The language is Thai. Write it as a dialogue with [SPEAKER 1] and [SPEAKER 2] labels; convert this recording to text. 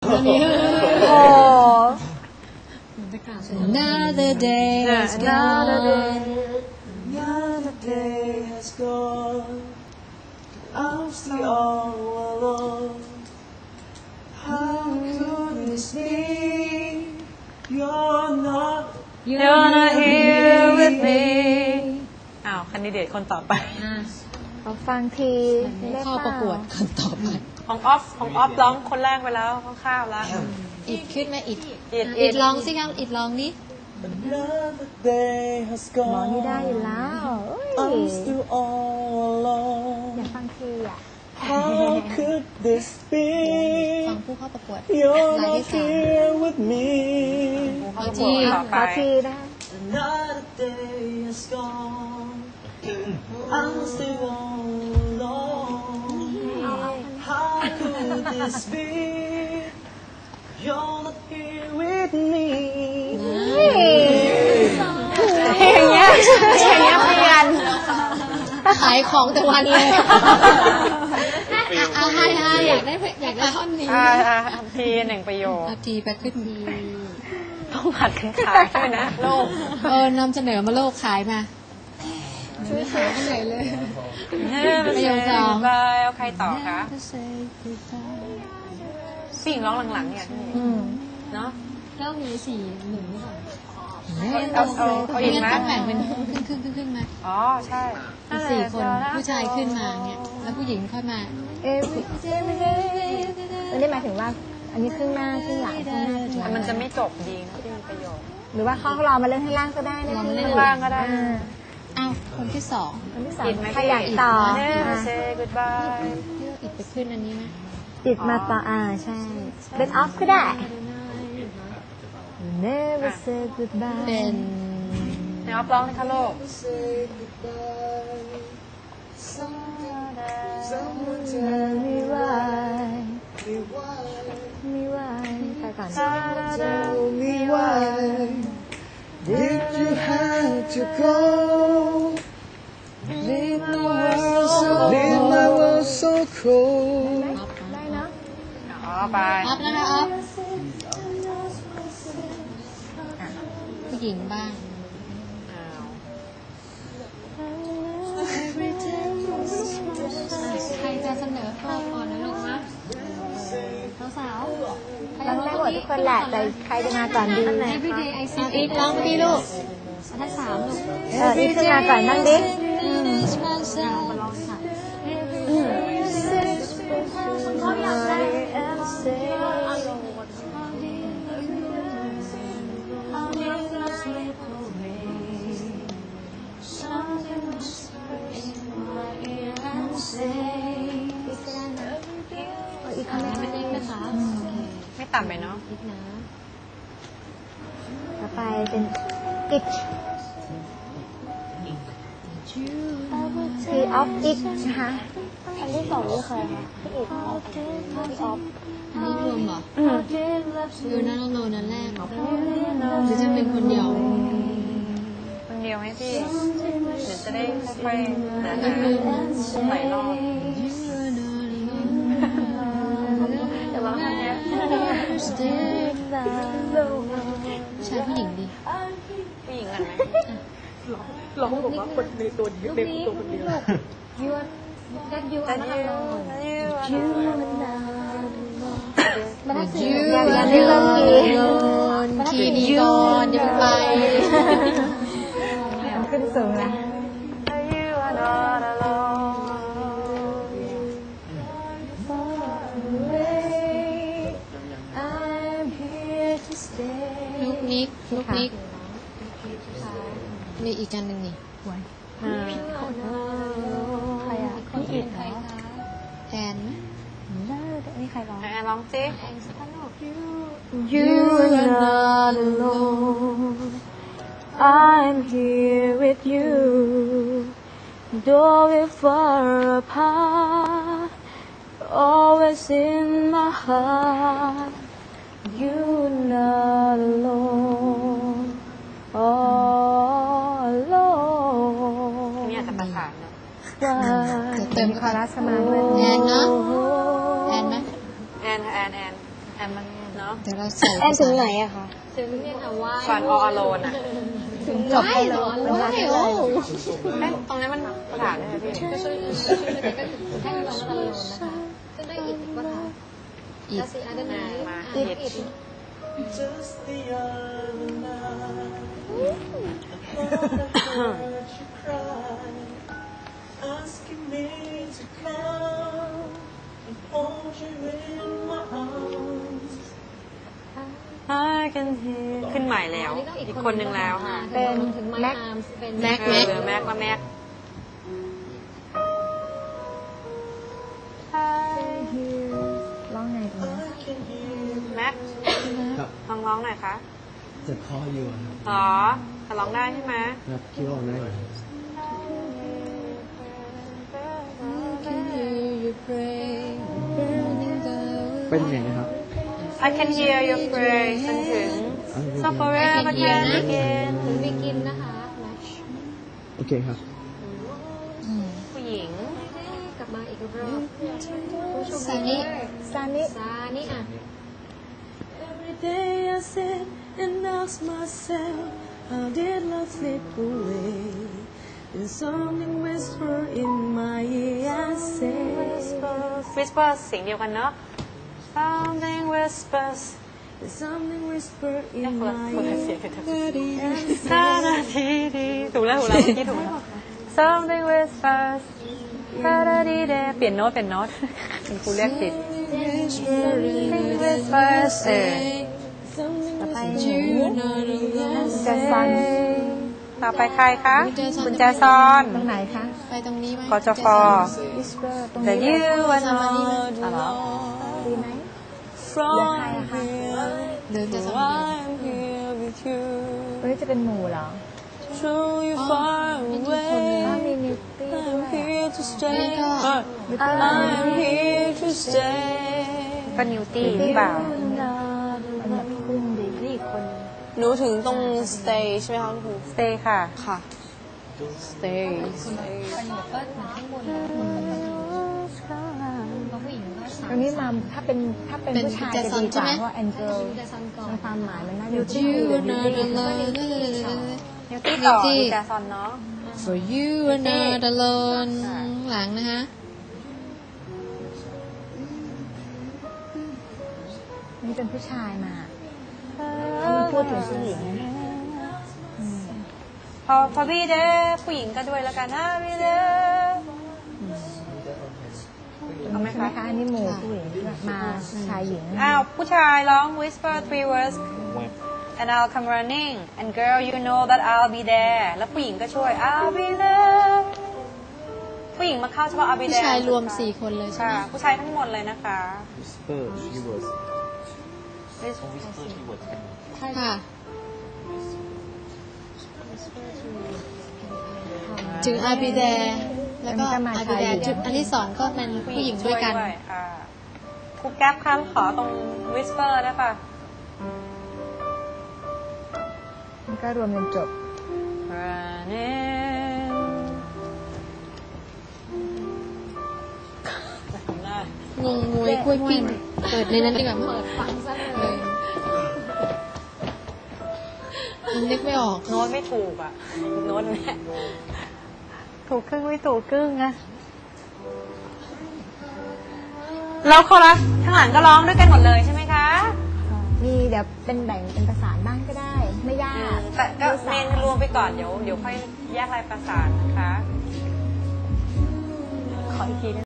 [SPEAKER 1] อันนี้
[SPEAKER 2] โอ้
[SPEAKER 1] Another day has gone
[SPEAKER 3] Another day has gone. I'm still all alone. How could this be? You're not.
[SPEAKER 2] You're not here with me อ้าวคันดิเดตคนต่อไปขอฟังทีได้
[SPEAKER 1] เข้า
[SPEAKER 2] เป
[SPEAKER 1] ประ
[SPEAKER 2] ล่าก
[SPEAKER 1] วดคนต่อไป
[SPEAKER 2] ของออฟร้องคนแรกไปแล้วข้าวๆแล้ว
[SPEAKER 1] อิดขึ้นไหมอิด
[SPEAKER 2] อิด
[SPEAKER 1] อิดลองสิครับอิดลองนี้
[SPEAKER 3] Another day has
[SPEAKER 2] หมอ
[SPEAKER 3] gone.
[SPEAKER 2] นี่ได้อยู่แล้ว
[SPEAKER 3] I'm still all
[SPEAKER 2] อยาก
[SPEAKER 3] alone.
[SPEAKER 2] ฟังทีอ่ะ
[SPEAKER 3] How could this
[SPEAKER 1] ฟัง
[SPEAKER 3] be?
[SPEAKER 1] ผู้เข้าประกวด
[SPEAKER 3] You're
[SPEAKER 1] ราย
[SPEAKER 3] not
[SPEAKER 1] ที่
[SPEAKER 3] here with me.
[SPEAKER 1] ขอที
[SPEAKER 2] ขอทีได้
[SPEAKER 3] Another day has gone. I'm still all alone. How could this be? You're not here with me.
[SPEAKER 2] อย่างเงี้ยเปลี่ยน
[SPEAKER 1] ขายของแต่วันเลยเอาให้อยากได้ท่อนนี้
[SPEAKER 2] ทีหนึ่งประโยค
[SPEAKER 1] ทีไปขึ้นดี
[SPEAKER 2] ต้องผัดกันขายด้วยนะโลก
[SPEAKER 1] นำเสนอมาโลกขายมาไม่หาที่ไหนเลย ประโยคสอง
[SPEAKER 2] เอาใครต่อคะผู้หญิงร้องหลังๆเนี่ยเนาะ
[SPEAKER 1] แล้วมีสี่หนึ่งหรือเปล่า
[SPEAKER 2] เอาอีกไหม
[SPEAKER 1] ต้องแบ่งเป็นครึ่งไหม
[SPEAKER 2] อ๋อใช่
[SPEAKER 1] สี่คนผู้ชายขึ้นมาเนี่ยแล้วผู้หญิงค่อยมา
[SPEAKER 2] อันนี้หมายถึงว่าอันนี้ครึ่งหน้าครึ่งหลังครึ่งหน้าครึ่งหลัง
[SPEAKER 4] มันจะไม่จบดีนะที่มีประโยชน์
[SPEAKER 2] หรือว่าเขารอมาเล่นให้ล่างก็ได้นะ
[SPEAKER 1] ลองเล่น
[SPEAKER 4] ข้างล่างก็ได้
[SPEAKER 1] อ้าวคนที่สอง
[SPEAKER 2] คนที่สอง
[SPEAKER 4] อิดไหม
[SPEAKER 2] ใครอยากต่อ
[SPEAKER 4] Never say goodbye
[SPEAKER 1] เลือกอิดไปขึ้นอันนี้ไหม
[SPEAKER 2] อิดมาต่อใช่เป็นออฟก็ได้ Never say goodbye
[SPEAKER 1] เป็น
[SPEAKER 4] ในออฟร้องนะคะโลก
[SPEAKER 3] Someone
[SPEAKER 2] Tell me why me why ไปก่อน
[SPEAKER 3] tell me why did you have to go? Leave my world so cold.
[SPEAKER 2] ได้เนาะ
[SPEAKER 4] อ๋อไป
[SPEAKER 1] อัพแล้วนะอัพผู้หญิงบ้าง
[SPEAKER 4] อ้าว
[SPEAKER 1] ใครจะเสนอตัวก่อนนะลูกนะสาวๆ
[SPEAKER 2] ร้องได้หมดทุกคนแหละแต่ใครจะมาก่อนดี
[SPEAKER 1] Everyday I see อีกร้องดีลูกทั้งสามลูก
[SPEAKER 2] อีกขึ้นมาก่อนนั่งดิ อีกคำนึง
[SPEAKER 1] ไม่ได้นะคะ
[SPEAKER 4] ไม่ต่ำไปเนาะ
[SPEAKER 1] อีกนะ
[SPEAKER 2] ต่อไปเป็นอิกทีออฟอิกนะคะอันที่สองนี่เคยค่ะพี่อิกพี่ออฟ
[SPEAKER 1] อันนี้รวมเหรออยู่นั่นโลนั่นแรกหรือจะเป็นคนเดียว
[SPEAKER 4] คนเดียวให้พี่ เดี๋ยวจะได้ค่อยๆหา
[SPEAKER 1] ก็คือ
[SPEAKER 4] หลายรอบ
[SPEAKER 2] แต่ว่าอันเนี้ย
[SPEAKER 1] ชายผู้หญิงดี
[SPEAKER 4] ผู้หญิงกันไหม
[SPEAKER 1] ร้องบอกว่าคนในตัวเดียวเด็กตัวคนเดียว
[SPEAKER 2] ยูthat you
[SPEAKER 4] แต่
[SPEAKER 2] are
[SPEAKER 4] ยู
[SPEAKER 2] not alone
[SPEAKER 4] ยู
[SPEAKER 2] มันถ้า
[SPEAKER 1] ยู
[SPEAKER 2] ยังไม่เริ่มกี
[SPEAKER 1] คีดีก่อนอย่าเพิ่งไป
[SPEAKER 2] มันขึ้นสูงแล้ว
[SPEAKER 4] You are not alone
[SPEAKER 1] ลูกนิกมีอีกกันหนึ่งนี่
[SPEAKER 2] ใครอ่ะพี่อิด
[SPEAKER 1] ใครคะแอน
[SPEAKER 2] นี่ใครร้อง
[SPEAKER 4] แอนร้องสิ
[SPEAKER 2] You are not alone. I'm here with you. Though we're far apart, always in my heart. You're not alone. All alone.
[SPEAKER 4] นี่อาจจะประสานเนาะ
[SPEAKER 1] เติม
[SPEAKER 2] คอรัสมาด้วย
[SPEAKER 1] แอนเนาะแอนไหม
[SPEAKER 4] แอนค่ะแอนแอมมันเนาะ
[SPEAKER 1] เดี๋ยวเราใส่
[SPEAKER 2] แอนถึงไหนอะคะ
[SPEAKER 1] ถึงเนี่ยค่ะว่า
[SPEAKER 4] ก่อนออโลนอ่ะ
[SPEAKER 2] ถึงจบ
[SPEAKER 1] ไม่หรอว่าโอ้
[SPEAKER 4] ตรงนี้มันประถานได้ไหมพี่
[SPEAKER 5] ก็ช่วยก็ให้น้องตะลุนนะคะซึ่งได้อิดก็ถ่าย
[SPEAKER 1] อีก
[SPEAKER 5] แล้วสิอันนั้น
[SPEAKER 4] มา
[SPEAKER 5] อิ
[SPEAKER 4] อิ
[SPEAKER 5] ด
[SPEAKER 4] ด
[SPEAKER 3] Just the other night, I thought I heard you cry, asking me to come and hold you in my arms.
[SPEAKER 4] I can hear ขึ้นใหม่แล้ว อีกคนนึงแล้วค่ะ
[SPEAKER 5] เป็นถึงแม็กเป็น
[SPEAKER 1] แม็ก
[SPEAKER 4] เออแม็กว่าแม็ก
[SPEAKER 2] ร้องไงตรงนี้
[SPEAKER 3] I can hear
[SPEAKER 4] แม็ก
[SPEAKER 3] ครับ
[SPEAKER 4] ลองร้องหน่อยคะ
[SPEAKER 3] จะคออยู่ครับ
[SPEAKER 4] หรอแต่ร้องได้ใช่ไหม
[SPEAKER 3] ครับคิดว่าได้ไหม เป็นไงนะครับ
[SPEAKER 4] I can hear your praise จนถึง so forever can begin
[SPEAKER 5] ถึงบิกินนะคะแม็ก
[SPEAKER 3] โอเคครับ
[SPEAKER 4] ผู้หญิง
[SPEAKER 5] กลับมาอีกรอบผู้ชม
[SPEAKER 1] ซานิ
[SPEAKER 2] ซานิ
[SPEAKER 5] ซานิอ่ะ
[SPEAKER 3] Every day I sit and ask myself, how did love slip away? There's something whisper in my ear, I say.
[SPEAKER 4] whisper เสียงเดียวกันเนาะ something whispers
[SPEAKER 3] There's something whisper
[SPEAKER 4] เอ๊ะ
[SPEAKER 3] in
[SPEAKER 4] คนละ
[SPEAKER 3] my
[SPEAKER 4] เสียง
[SPEAKER 3] ear.
[SPEAKER 4] กันนานาทีดีถูกแล้วเมื่อกี้ถูกแล้ว something whispers เปลี่ยนโน้ตคุณครูเรียกผิด something whispers
[SPEAKER 2] ต่อไปหนูจะซัน
[SPEAKER 4] ต่อไปใครคะคุณแจซอน
[SPEAKER 2] ตรงไหนคะ
[SPEAKER 1] ไปตรงนี้ไหม
[SPEAKER 4] กจฟ
[SPEAKER 2] whisper ตรง
[SPEAKER 4] The
[SPEAKER 2] นี้
[SPEAKER 4] you are not อ๋อเหรอ
[SPEAKER 2] ดีไหม
[SPEAKER 3] From
[SPEAKER 1] เดินจะส
[SPEAKER 3] here,
[SPEAKER 1] มั
[SPEAKER 3] I'm here with you.
[SPEAKER 2] เฮ้ยจะเป็นหมู่เหรอ
[SPEAKER 3] True, you're far
[SPEAKER 2] ถ้า
[SPEAKER 3] away.
[SPEAKER 2] มีนิวตี้ด้
[SPEAKER 3] I'm
[SPEAKER 2] วย
[SPEAKER 3] here to stay.
[SPEAKER 2] วิตา
[SPEAKER 3] I'm here to stay.
[SPEAKER 4] ก็นิวตี้หรือเปล่า
[SPEAKER 2] มันแบบพุ่งดีนี่อีกคน
[SPEAKER 6] หนูถึงตรง stay ใช่ไหมคะคุณครู
[SPEAKER 4] stay ค่ะ
[SPEAKER 6] ค่ะ stay
[SPEAKER 2] ตรงนี้มาถ้าเป็นผู้ชายจะดีกว่าเพราะแอนเจล
[SPEAKER 5] จะซันก่อน
[SPEAKER 2] ในความหมายมันน่าจะ
[SPEAKER 1] You
[SPEAKER 2] ชื่อ
[SPEAKER 1] are
[SPEAKER 2] นิว
[SPEAKER 1] not
[SPEAKER 2] ตี้
[SPEAKER 1] alone
[SPEAKER 4] นิวตี้ต่อนิวแจซอนเนาะ
[SPEAKER 1] For you are not alone หลังนะคะ
[SPEAKER 2] นี่เป็นผู้ชายมามันพูดถึงผู้หญิง
[SPEAKER 4] พอพี่เด้ผู้หญิงก็ด้วยแล้วกันนะพี่เด้
[SPEAKER 2] เอาไหมคะอันนี้หมู่ผู้หญิงมาชายหญิง
[SPEAKER 4] อ้าวผู้ชายร้อง whisper 3 words and I'll come running and girl you know that I'll be there แล้วผู้หญิงก็ช่วย I'll be there ผู้หญิงมาเข้าเฉพาะ I'll be
[SPEAKER 1] ผู้
[SPEAKER 4] there
[SPEAKER 1] ชายรวม4 คนเลยใช่ไห
[SPEAKER 4] ค่ะ
[SPEAKER 1] ม
[SPEAKER 4] ผู้ชายทั้งหมดเลยนะคะ
[SPEAKER 3] Whisper, she was.
[SPEAKER 1] ค่ะ ถึงอาบิแดแล้วก็อาบิแดจุดอันที่2ก็เป็นผู้หญิงด้วยกัน
[SPEAKER 4] ค่ะครูแก๊ปคะขอตรง whisper ได้ป่ะ
[SPEAKER 2] มันก็รวมจนจบ
[SPEAKER 4] running
[SPEAKER 1] งงงวยกล้วยปิ้งเปิดในนั้นดีกว่ามั้ย
[SPEAKER 5] เปิดฟังซะเลย
[SPEAKER 1] มันนึกไม่ออก
[SPEAKER 4] โน้ตไม่ถูกอ่ะ โน้ตเนี่ยถูกครึ่งไม่ถูกครึ่งนะแล้วคอรัสข้างหลังก็ร้องด้วยกันหมดเลยใช่ไหมคะ
[SPEAKER 2] มีเดี๋ยวเป็นแบ่งเป็นประสานบ้างก็ได้ ไม่ยาก
[SPEAKER 4] แต่ก็เมนรวมไปก่อนเดี๋ยวค่อยแยกรายประสานนะคะ